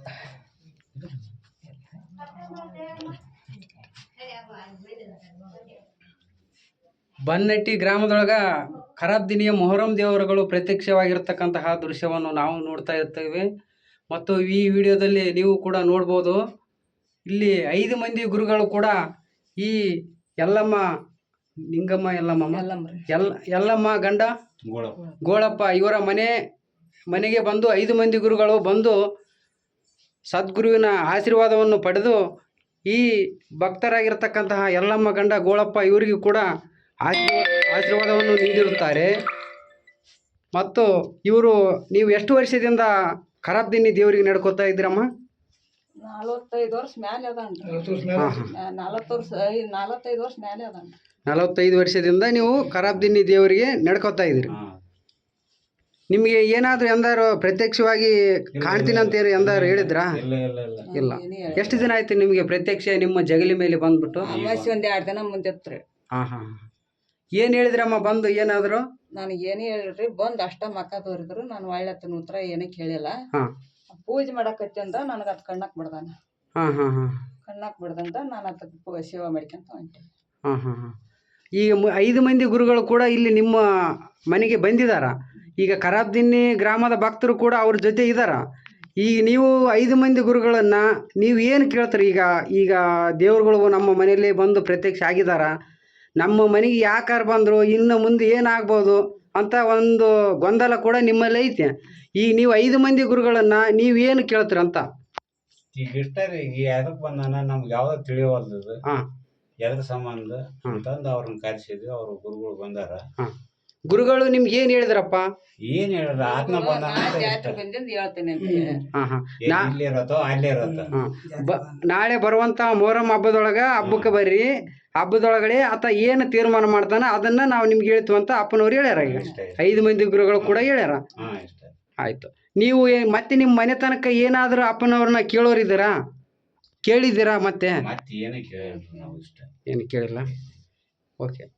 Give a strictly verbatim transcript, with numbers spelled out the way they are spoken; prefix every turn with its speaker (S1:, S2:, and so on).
S1: ಬನ್ನಟ್ಟಿ ಗ್ರಾಮದೊಳಗ ಖರಾಬ್ದಿನಿಯ ಮೊಹರಂ ದೇವರುಗಳು ಪ್ರತ್ಯಕ್ಷವಾಗಿರ್ತಕ್ಕಂತಹ ದೃಶ್ಯವನ್ನು ನಾವು ನೋಡ್ತಾ ಇರ್ತೇವೆ. ಮತ್ತು ಈ ವಿಡಿಯೋದಲ್ಲಿ ನೀವು ಕೂಡ ನೋಡ್ಬೋದು. ಇಲ್ಲಿ ಐದು ಮಂದಿ ಗುರುಗಳು ಕೂಡ ಈ ಯಲ್ಲಮ್ಮ ನಿಂಗಮ್ಮ ಯಲ್ಲಮ್ಮ ಎಲ್ಲ ಯಲ್ಲಮ್ಮ ಗಂಡ ಗೋಳಪ್ಪ ಇವರ ಮನೆ ಮನೆಗೆ ಬಂದು ಐದು ಮಂದಿ ಗುರುಗಳು ಬಂದು ಸದ್ಗುರುವಿನ ಆಶೀರ್ವಾದವನ್ನು ಪಡೆದು ಈ ಭಕ್ತರಾಗಿರ್ತಕ್ಕಂತಹ ಯಲ್ಲಮ್ಮ ಗಂಡ ಗೋಳಪ್ಪ ಇವರಿಗೂ ಕೂಡ ಆಶೀರ್ವಾದ ಆಶೀರ್ವಾದವನ್ನು ನೀಡಿರುತ್ತಾರೆ. ಮತ್ತು ಇವರು ನೀವು ಎಷ್ಟು ವರ್ಷದಿಂದ ಖರಾಬ್ದಿನ್ನಿ ದೇವರಿಗೆ ನಡ್ಕೋತಾ ಇದ್ದೀರಮ್ಮ?
S2: ನಲವತ್ತೈದು ವರ್ಷ ಮೇಲೆ ಅದನ್ರಿ. ನಲವತ್ತು ವರ್ಷ ನಲವತ್ತೈದು ವರ್ಷ ಮೇಲೆ ಅದನ್ರಿ.
S1: ನಲವತ್ತೈದು ವರ್ಷದಿಂದ ನೀವು ಖರಾಬ್ದಿನ್ನಿ ದೇವರಿಗೆ ನಡ್ಕೋತಾ ಇದ್ದೀರಿ. ನಿಮಗೆ ಏನಾದರೂ ಎಂದಾರು ಪ್ರತ್ಯಕ್ಷವಾಗಿ ಕಾಣ್ತೀನಿ ಅಂತ ಎಂದಾರು ಹೇಳಿದ್ರಾ? ಇಲ್ಲ. ಎಷ್ಟು ದಿನ ಆಯ್ತು ನಿಮಗೆ ಪ್ರತ್ಯಕ್ಷ ನಿಮ್ಮ ಜಗಲಿ ಮೇಲೆ ಬಂದ್ಬಿಟ್ಟು?
S2: ಒಂದ್ ಎರಡು ದಿನ ಮುಂದಿತ್ರಿ.
S1: ಹಾಂ ಹಾಂ ಏನು ಹೇಳಿದ್ರಮ್ಮ ಬಂದು ಏನಾದ್ರು?
S2: ನನಗೆ ಏನೇ ಹೇಳ್ರಿ ಬಂದು ಅಷ್ಟ ಮಕ್ಕ ತೋರಿದ್ರು. ನಾನು ಒಳ್ಳೆತನ ಉತ್ತರ ಏನಕ್ಕೆ ಹೇಳಿಲ್ಲ. ಪೂಜೆ ಮಾಡಕತ್ತಿ ಅಂದ ನನಗೆ ಅದು ಕಣ್ಣಾಕ್ ಬಿಡ್ದಾನ.
S1: ಹಾಂ ಹಾಂ ಹಾಂ
S2: ಕಣ್ಣಾಕ್ ಬಿಡ್ದಂತ ನಾನು ಅದಕ್ಕೆ ಸೇವಾ ಮಾಡ್ಕೊಂತ ಹೊಂಟೆ.
S1: ಹಾಂ ಹಾಂ ಹಾಂ ಈಗ ಐದು ಮಂದಿ ಗುರುಗಳು ಕೂಡ ಇಲ್ಲಿ ನಿಮ್ಮ ಮನೆಗೆ ಬಂದಿದ್ದಾರ. ಈಗ ಖರಾಬ್ದಿನ್ನಿ ಗ್ರಾಮದ ಭಕ್ತರು ಕೂಡ ಅವ್ರ ಜೊತೆ ಇದ್ದಾರ. ಈಗ ನೀವು ಐದು ಮಂದಿ ಗುರುಗಳನ್ನು ನೀವು ಏನು ಕೇಳ್ತೀರಿ? ಈಗ ಈಗ ದೇವ್ರುಗಳು ನಮ್ಮ ಮನೆಯಲ್ಲಿ ಬಂದು ಪ್ರತ್ಯಕ್ಷ ಆಗಿದ್ದಾರ, ನಮ್ಮ ಮನೆಗೆ ಯಾಕಾರ ಬಂದರು, ಇನ್ನು ಮುಂದೆ ಏನಾಗ್ಬೋದು ಅಂತ ಒಂದು ಗೊಂದಲ ಕೂಡ ನಿಮ್ಮಲ್ಲಿ ಐತೆ. ಈಗ ನೀವು ಐದು ಮಂದಿ ಗುರುಗಳನ್ನು ನೀವೇನು ಕೇಳ್ತೀರಂತ?
S3: ಈಗ ಇಷ್ಟ ರೀ, ಈಗ ಯಾವ್ದಕ್ಕೆ ಬಂದಾನ ನಮ್ಗೆ ಯಾವ್ದು ತಿಳಿಯವಲ್ದು. ಹಾಂ ಎದ್ರ ಸಂಬಂಧ ಅಂತಂದು ಅವ್ರನ್ನ ಕರೆಸಿದ್ವಿ. ಅವ್ರ ಗುರುಗಳು ಬಂದಾರ.
S1: ಹಾಂ ಗುರುಗಳು ನಿಮ್ಗೆ ಏನು ಹೇಳಿದ್ರಪ್ಪ?
S3: ಏನ್ ಹೇಳಿದ್ರ ಆತ್ಮ ಬಂದಾನ
S2: ಹೇಳ್ತೇನೆ ಅಂತ.
S1: ಹಾಂ ಹಾಂ
S3: ಇಲ್ಲಿ ಇರತ್ತೋ ಅಲ್ಲೇ ಇರತ್ತ.
S1: ಬ ನಾಳೆ ಬರುವಂಥ ಮೊಹರಂ ಹಬ್ಬದೊಳಗೆ ಹಬ್ಬಕ್ಕೆ ಬರ್ರಿ. ಹಬ್ಬದೊಳಗಡೆ ಆತ ಏನು ತೀರ್ಮಾನ ಮಾಡ್ತಾನ ಅದನ್ನ ನಾವು ನಿಮ್ಗೆ ಹೇಳ್ತೀವಿ ಅಂತ ಅಪ್ಪನವ್ರು ಹೇಳ್ಯಾರ. ಈಗ ಐದು ಮಂದಿ ಗುರುಗಳು ಕೂಡ ಹೇಳ್ಯಾರ. ಆಯ್ತು. ನೀವು ಮತ್ತೆ ನಿಮ್ಮ ಮನೆ ತನಕ ಏನಾದರೂ ಅಪ್ಪನವ್ರನ್ನ ಕೇಳೋರಿದ್ದೀರಾ? ಕೇಳಿದ್ದೀರಾ? ಮತ್ತೆ
S3: ಏನು ಕೇಳಿಲ್ಲ.
S1: ಏನು ಕೇಳಿಲ್ಲ. ಓಕೆ.